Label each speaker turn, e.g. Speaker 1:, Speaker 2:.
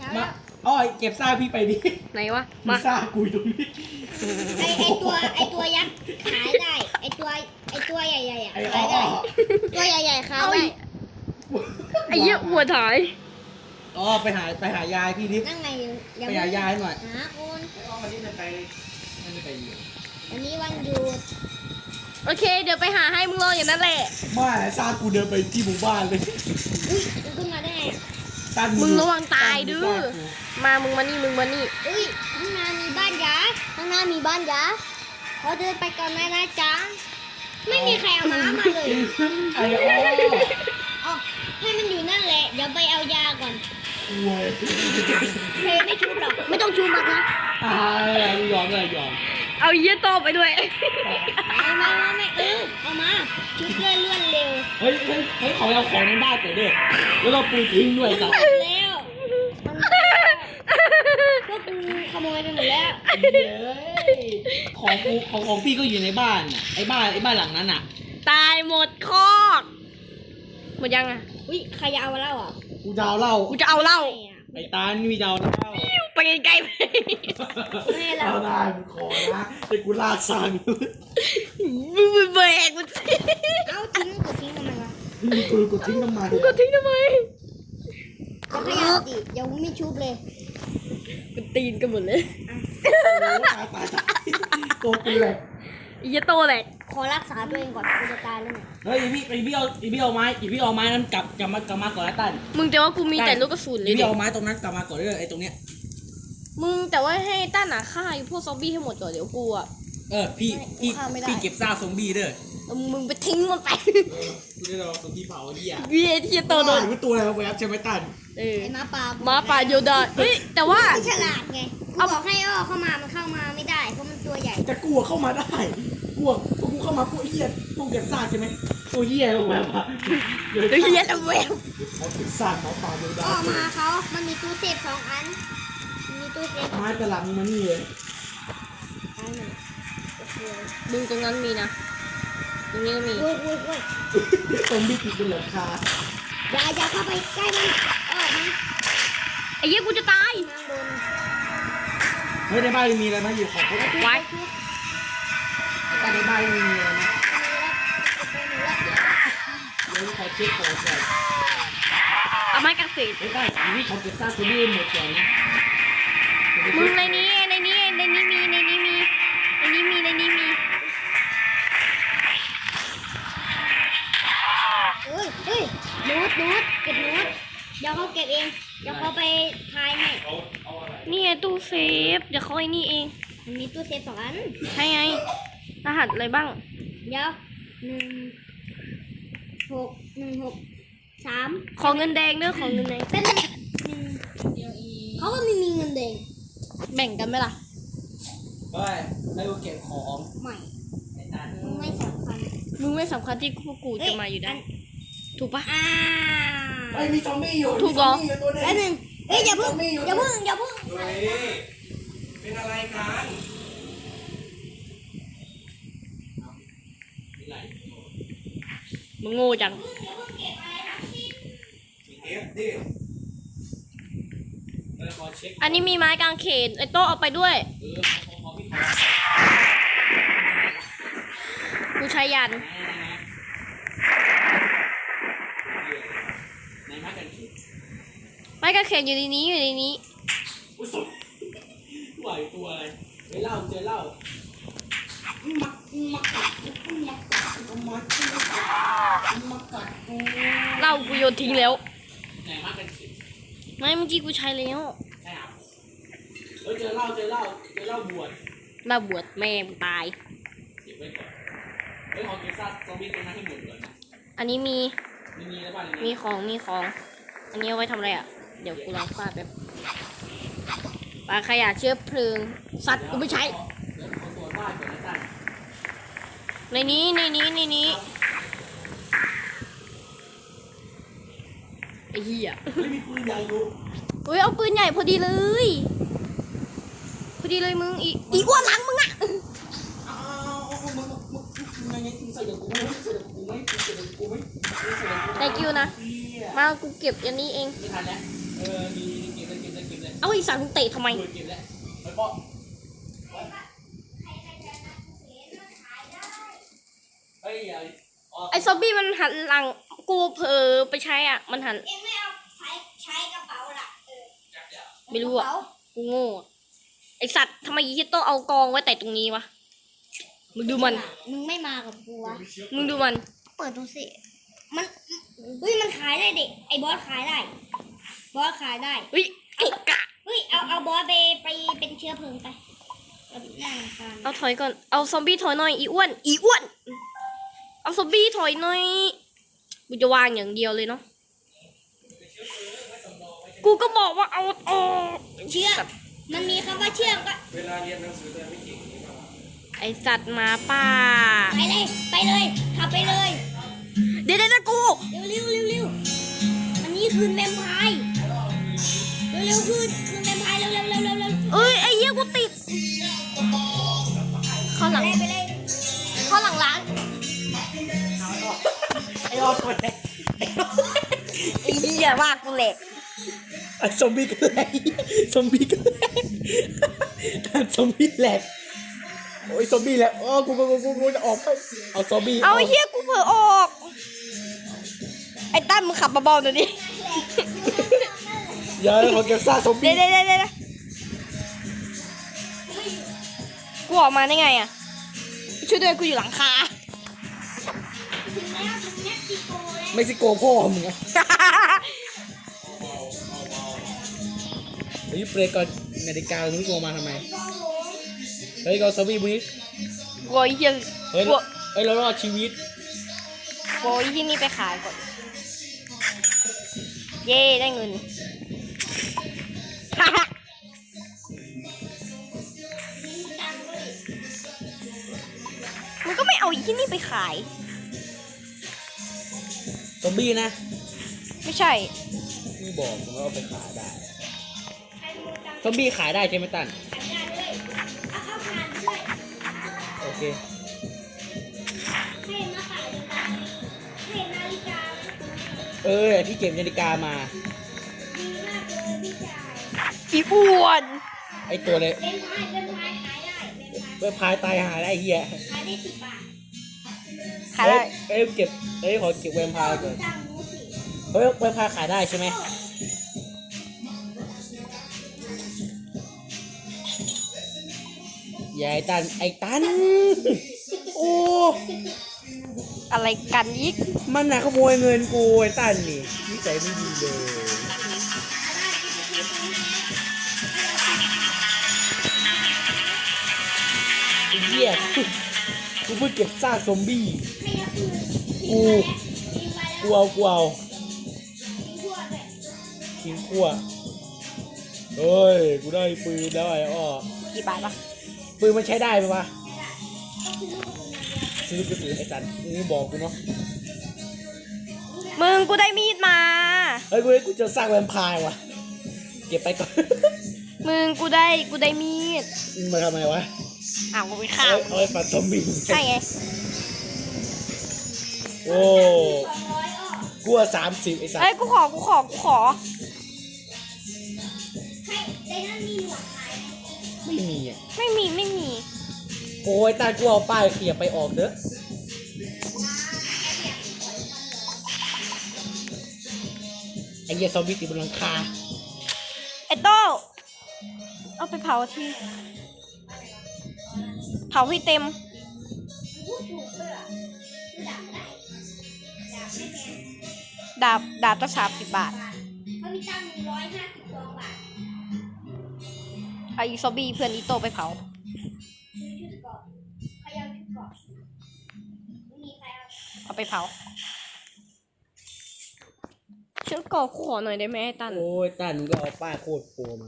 Speaker 1: มาอ้อยเก็บซ่าพี่ไปดิ
Speaker 2: ไหนวะ
Speaker 1: มี
Speaker 2: มา
Speaker 1: ซ่ากูอยู่ตรงนี้
Speaker 3: ไอตัวยักษ์ขายได้ไอตัวใหญ่ๆอ่ะ
Speaker 1: ไอ้
Speaker 3: ขา
Speaker 1: อ้
Speaker 3: ย
Speaker 1: อ
Speaker 3: ได้ตัวใหญ่ๆขายได้
Speaker 2: ไอ้เหี้ยหัวถ่าย
Speaker 1: อ๋อไปหายายพี่ดิ
Speaker 3: นั่งไง
Speaker 1: ไปหายายหน่อย
Speaker 3: หาคน
Speaker 1: ไอ้อ้อมันนี่จะไปไม่ได้ไปอยู่
Speaker 3: วันนี้วันหยุด
Speaker 2: โอเค เดี๋ยวไปหาให้มึงรออย่างนั้นแหละ
Speaker 1: ไม่ซ่ากูเดินไปที่หมู่บ้านเลย
Speaker 3: อุ้ยมันขึ้นมาได้ไง
Speaker 1: ตั้
Speaker 2: มึงระวังตายดื้อมามึงมานี่มึงมานี่
Speaker 3: อุ้ยข้างหน้ามีบ้านยักษ์ข้างหน้ามีบ้านยักษ์ขอเดินไปก่อนนะจ๊ะไม่มีใครเอาม้ามาเลย
Speaker 1: ไอ้อ้อ
Speaker 3: อ๋อให้มันอยู่นั่นแหละเดี๋ยวไปเอายาก่อน
Speaker 1: เว้ย
Speaker 3: เพลไม่ชุบหรอกไม่ต้องชุบหรอกนะ
Speaker 1: ยอมเลยยอม
Speaker 2: เอาเหี้ยโตไปด้วย
Speaker 3: ไม่เอามาชุบเลื่อนเร็ว
Speaker 1: เฮ้ยขอเอาของในบ้านก่อนดิแล้วเราปูทิ้งด้วยสัตว์
Speaker 3: แล้วพวกกูขโมยไปหมดแล้ว
Speaker 1: ของพี่ก็อยู่ในบ้านน่ะไอ้บ้านหลังนั้นอ่ะ
Speaker 2: ตายหมดคอกหมดยังอ่ะ
Speaker 3: อุ้ยใครจะเอาเหล้าอ่ะ
Speaker 1: กูดาวเหล่า
Speaker 2: กูจะเอาเหล้า
Speaker 1: ไอ้ตานี่มีดาวเหล้า
Speaker 2: ไปไกลๆไป
Speaker 1: เอาได้มึงขอนะไอ้กูลากสั่ง
Speaker 2: มึงแบกมันสิ
Speaker 3: เอาทิ้งกูทิ้งทำไมวะ
Speaker 1: กูทิ้งน้ำมัน
Speaker 2: ก็ทิ้งทำไม
Speaker 3: จะขยับดิเดี๋ยวไม่ชุบเลย
Speaker 2: มันตีนกันหมดเลย
Speaker 1: ตายตัวกูเลย
Speaker 2: ไอ้เหี้ยโตแหละ
Speaker 3: ขอรักษาตัวเองก่อนกูจะตายแล้วเนี่ย
Speaker 1: เฮ้ยพี่เอาไม้นั้นกลับมาก่อนแล้วตั้น
Speaker 2: มึงจะว่ากูมีแต่ลูกกระสุนเลย
Speaker 1: พี่
Speaker 2: ดิ
Speaker 1: เอาไม้ตรงนั้นกลับมาก่อนเลยไอ้ตรงเนี้ย
Speaker 2: มึงแต่ว่าให้ต้านหนาฆ่าไอ้พวกซอมบี้ให้หมดก่อนเดี๋ยวกูอ่ะ
Speaker 1: พี่
Speaker 2: ฆ่าไม่ได้
Speaker 1: พี่เก็บซ่าซอมบี้เด้อ
Speaker 2: มึงไปทิ้งมันไป
Speaker 1: กูได้รอซอมบี้เผาเหี้ย
Speaker 2: เหี้ยที่จะโตโดน
Speaker 1: มันตัวอะไรแวบใช่ไหมตั้น
Speaker 2: เออ
Speaker 3: ไอ้หมาป่า
Speaker 2: หมาป่าโยดาเฮ้ยแต่ว่า
Speaker 3: ไม่ฉลาดไงกูบอกให้อ้อเข้ามามันเข้ามาไม่ได้เพราะมันตัวใหญ่
Speaker 1: แต่กูเข้ามาได้กูเข้ามาพวกเหี้ยพวกเก็บซ่าใช่ไหมตัวเหี้ยลงมา
Speaker 2: เดี๋ยวเหี้ยละแวว
Speaker 1: เขาเก็บซ่าเขาป่าเดียวได้
Speaker 3: ออกมาเขามันมีตู้เซฟ2 อันมันมีตู้เซฟ
Speaker 1: ไม้กระหลังมานี่เลย
Speaker 3: อันหนึ่งโอเค
Speaker 2: มึงตรงนั้นมีนะตรงนี้ก็มี
Speaker 3: โอ้ย
Speaker 1: ซอมบี้ติดบนหลังคา
Speaker 3: อย่าเข้าไปใกล้มันออกมา
Speaker 2: ไอ้เหี้ยกูจะตาย
Speaker 3: ข้างบน
Speaker 1: เฮ้ยในบ้านมีอะไรไหมอยู่ของพวก
Speaker 2: ไว้
Speaker 1: แต่ในบ้านมีอะไรนะเดี๋ยวขอเช็คของก่อน
Speaker 2: เอาไม้กางเขน
Speaker 1: ไม่ได้นี่เขาเก็บซ่าซอมบี้หมดก่อนนะ
Speaker 2: มึงในนี้มีในนี้มีในนี้มีในนี้มี
Speaker 3: เฮ้ยโน้ตเก็บโน้ตเดี๋ยวเขาเก็บเองเดี๋ยวเขาไปทายให้
Speaker 2: นี่ไงตู้เซฟเดี๋ยวเขาไอ้นี่เอง
Speaker 3: มันมีตู้เซฟ2 อัน
Speaker 2: ใช่ไงรหัสอะไรบ้าง
Speaker 3: เดี๋ยว16163
Speaker 2: ของเงินแดงเด้อของเงินแดง
Speaker 3: เป็น1เขาก็ไม่มีเงินแดง
Speaker 2: แบ่งกันไหมล่ะ
Speaker 1: เฮ้ยให้กูเก็บของ
Speaker 3: ใหม่
Speaker 1: ไอ้ตา
Speaker 3: ไม่สำคัญ
Speaker 2: มึงไม่สำคัญที่พวกกูจะมาอยู่ได้ถูกปะ
Speaker 1: เฮ้ยมีซอมบี้อยู่
Speaker 2: ถูกเหรอ
Speaker 1: มีซมบี้ยู่ตัวหนึง
Speaker 3: แป๊บนึงเอ้ยอย่าเพิ่ง
Speaker 1: มีซมบี้
Speaker 3: อย่าเพิ่ง
Speaker 1: เฮ้ยเป็นอะไรกันมีอะไร
Speaker 2: มึงโง่จัง
Speaker 1: เอฟดิขอเช็ค
Speaker 2: อันนี้มีไม้กางเขนไอ้โต๊ะเอาไปด้วย
Speaker 1: ขอพี่
Speaker 2: กูใช้ยัน
Speaker 1: ในไม้กันขีด
Speaker 2: ไม้กางเขนอยู่ในนี้อยู่ในนี้
Speaker 1: อุ้ยสุดไหวตัวอะไรเจอเหล้ามากัดกู
Speaker 2: เหล้ากูโยนทิ้งแล้ว
Speaker 1: ไหนไม้กันขีด
Speaker 2: ไม่เมื่อกี้กูใช้แล้ว
Speaker 1: ใช่ครับเฮ้ยเจอเหล้าบวช
Speaker 2: เหล้าบวชแม่มึงตาย
Speaker 1: เก็บไว้ก่อนเฮ้ยขอเก็บซากซอมบี้ตรงนั้นให้หมดก่อนนะ
Speaker 2: อันนี้มี
Speaker 1: มีอะไรบ้าง
Speaker 2: มีของ อันนี้เอาไว้ทำอะไรอ่ะ เดี๋ยวกูลองฟาดแบบปลาขยะเชื้อเพลิง สัตว์กูไม่ใช้
Speaker 1: เดี๋ยวขอตรวจบ้านก่อนนะตั้น
Speaker 2: ในนี้ไอ้เหี้ย
Speaker 1: เฮ้ยมีปืนใหญ่อยู่
Speaker 2: เฮ้ยเอาปืนใหญ่พอดีเลยมึงอีอ้วนหลังมึงอ่ะ
Speaker 1: อ้าวมึงยังไงมึงใส่กับกูไหมใส่กับกูไหมใส่กับกูไหม
Speaker 2: thank you นะ มากูเก็บอันนี้เอง
Speaker 1: ไม่ทันแล้วมีเก็บเลย
Speaker 2: เอาไอ้สัตว์มึงเตะทำไม
Speaker 1: เก็บแล้วไปปะเฮ้ยอย่า
Speaker 2: ไอ้ซอมบี้มันหันหลังกูเผลอไปใช้อ่ะมันหัน
Speaker 3: เองไม่เอาใช้กระเป๋าล่ะ
Speaker 2: ไม่รู้อ่ะกูโง่อะไอ้สัตว์ทำไมยีต้องเอากองไว้แต่ตรงนี้วะมึงดูมัน
Speaker 3: มึงไม่มากับกูวะ
Speaker 2: มึงดูมัน
Speaker 3: เปิดดูสิมันเฮ้ยมันขายได้เด็กไอ้บอสขายได้บอสขายได้
Speaker 2: เฮ้ยเกะกะ
Speaker 3: เฮ้ยเอาบอสไปเป็นเชื้อเพลิงไปเอาหน้าคาน
Speaker 2: เอาถอยก่อนเอาซอมบี้ถอยหน่อยอีอ้วนอีอ้วนเอาซอมบี้ถอยหน่อยกูจะวางอย่างเดียวเลยเนาะกูก็บอกว่าเอาออก
Speaker 3: เชื่อมมันมีคำว่าเชื่อมก็
Speaker 1: เวลาเรียนหนังสือแต่ไม่เก่ง
Speaker 2: ไอสัตว์หมาป่า
Speaker 3: ไปเลยขับไปเลย
Speaker 2: เดี๋ยวนะกู
Speaker 3: เร็วอันนี้คืนแวมไพร์เร็วคืนแวมไพร์เร็ว
Speaker 2: เอ้ยไอ้เหี้ยกูติดเข้าหลัง
Speaker 3: ไปเลย
Speaker 2: เข้าหลังร้าน
Speaker 1: ไอ้ออดคนไหน
Speaker 2: ไอ้เหี้ยว่ากูแหลก
Speaker 1: ไอ้ซอมบี้กันแหลกซอมบี้กันแหลกซอมบี้แหลกโอ้ยซอมบี้แหลกโอ้กูจะออกไปเอาซอมบี้
Speaker 2: เอาไอ้เหี้ยกูเผลอออกไอ้ตั้มมึงขับเบาๆหน่อยดิ
Speaker 1: อย่าขอเก็บซากซอม
Speaker 2: เดี๋
Speaker 1: บี้
Speaker 2: ยวกูออกมาได้ไงอ่ะช่วยด้วยกูอยู่หลังคา
Speaker 3: ถึงแล้วถึงเม็กซิโกแล้ว
Speaker 1: เม็กซิโกพ่อมึงไงเฮ้ยเบรกก่อนนาฬิกามึงโกมาทำไมเฮ้ยก็ซอมบี้บุ้ย
Speaker 2: กลัวไอ้เหี้ย
Speaker 1: เฮ้ย
Speaker 2: กลัว
Speaker 1: เรารอดชีวิต
Speaker 2: กลัวไอ้เหี้ยนี่ไปขายก่อนเย่ได้เงิน มันก็ไม่เอาไอ้เหี้ยนี่ไปขาย
Speaker 1: ซอมบี้นะ
Speaker 2: ไม่ใช่
Speaker 1: พี่บอกผมว่าเอาไปขายได้ซอมบี้ขายได้ใช่ไหมตัน
Speaker 3: ขายได้เลยเอาเข้าทานด้วย
Speaker 1: โอเค
Speaker 3: ให้มาขายเลยนะให้นาฬิกา
Speaker 1: ที่เก็บนาฬิกามา
Speaker 3: ดีมากเลยพี่ชาย
Speaker 2: อีอ้วน
Speaker 1: ไอตัวเลย
Speaker 3: เป็นพายขายได้เป็นพาย
Speaker 1: เว็บพายตายหาได้ไอ้เฮีย
Speaker 3: ขายได้10 บาท
Speaker 2: ขายได้
Speaker 1: เก็บขอเก็บเว็บพายก่อน
Speaker 3: สั่งหมูสิ
Speaker 1: เฮ้ยเว็บพายขายได้ใช่ไหมอย่าไอ้ตันโอ้
Speaker 2: อะไรกันอีก
Speaker 1: มันน่ะขโมยเงินกูไอ้ตันนี่นิสัยไม่ดีเลยไอ้เหี้ยกูเพิ่งเก็บซากซอมบี้
Speaker 3: ให้เอาปืน
Speaker 1: กู
Speaker 3: ทิ้งไว้แล้ว
Speaker 1: กูเอา
Speaker 3: ทิ้งทั่วด้วย
Speaker 1: ทิ้งขั้วเฮ้ยกูได้ปืนแล้วไอ้อ้อ
Speaker 2: กี่บาทวะ
Speaker 1: ปืนมันใช้ได้ไหมวะ
Speaker 3: ต้องซื้อลูกกระสุนอย่างเดียว
Speaker 1: ซื้อกระสุนไอ้สันมึงบอกกูเนาะ
Speaker 2: มึงกูได้มีดมา
Speaker 1: เฮ้ยกูจะสร้างแวมไพร์ว่ะเก็บไปก่อน
Speaker 2: มึงกูได้มีด
Speaker 1: มึงมาทำไมวะ
Speaker 2: อ้าวกูไปฆ่า
Speaker 1: เอาไปฟันซอมบี้
Speaker 2: ใช่ไง
Speaker 1: โอ้
Speaker 3: 200อ้อ
Speaker 1: กูว่า30ไอ้สัน
Speaker 2: เอ้ยกูขอ
Speaker 3: ให้ในนั้นมีหนวดขายไหม
Speaker 1: ไม่มีอ่ะ
Speaker 2: ไม่มี
Speaker 1: โอ้ยตากูเอาป้ายเขียบไปออกเถอะไอ้เหี้ยซอมบี้ติดบนหลังคา
Speaker 2: ไอ้โต้เอาไปเผาทีเผาให้เต็ม
Speaker 3: พูดถูกเลยอ่ะคือดาบได้ดาบไม่แพง
Speaker 2: ดาบตั้ง30 บาท
Speaker 3: เขามีตังค์152 บาท
Speaker 2: เอาอีซอมบี้เพื่อนอีโต้ไปเผา
Speaker 3: ซื้อชุดเกราะใครเอาชุดเกราะไม่มีใครเอา
Speaker 2: เอาไปเผาฉันก่อขอหน่อยได้ไหมไอ้ตัน
Speaker 1: โอ้ยตันมึงก็เอาป้ายโคตรโปรมา